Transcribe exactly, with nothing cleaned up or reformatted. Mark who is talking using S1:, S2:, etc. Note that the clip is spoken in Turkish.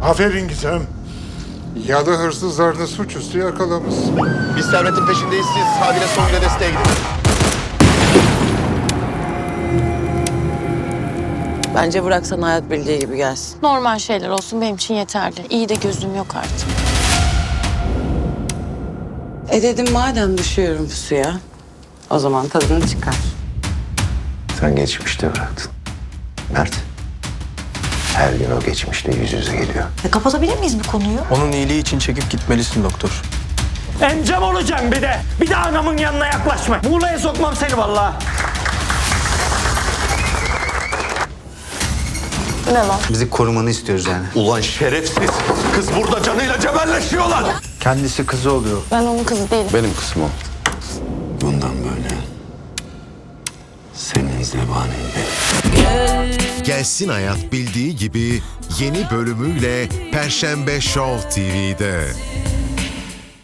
S1: Aferin Gizem. Yalı hırsızlarını suçüstü yakalamışsın.
S2: Biz servetin peşindeyiz. Siz Sadile Songül'e desteğe gidin.
S3: Bence bıraksan hayat bildiği gibi gelsin.
S4: Normal şeyler olsun benim için yeterli. İyi de gözüm yok artık.
S3: E dedim madem düşüyorum suya, o zaman tadını çıkar.
S5: Sen geçmişte bıraktın. Mert. Her gün o geçmişle yüz yüze geliyor.
S6: E, kapatabilir miyiz bu konuyu?
S7: Onun iyiliği için çekip gitmelisin doktor.
S8: Encam olacaksın bir de. Bir de anamın yanına yaklaşma. Muğla'ya sokmam seni vallahi.
S4: Ne lan?
S9: Bizi korumanı istiyoruz yani.
S2: Ulan şerefsiz. Kız burada canıyla cebelleşiyorlar.
S9: Kendisi kızı oluyor.
S4: Ben onun kızı değilim.
S2: Benim kızım o. Bundan böyle senin zebanin benim.
S10: Gelsin Hayat bildiği gibi yeni bölümüyle Perşembe Show T V'de.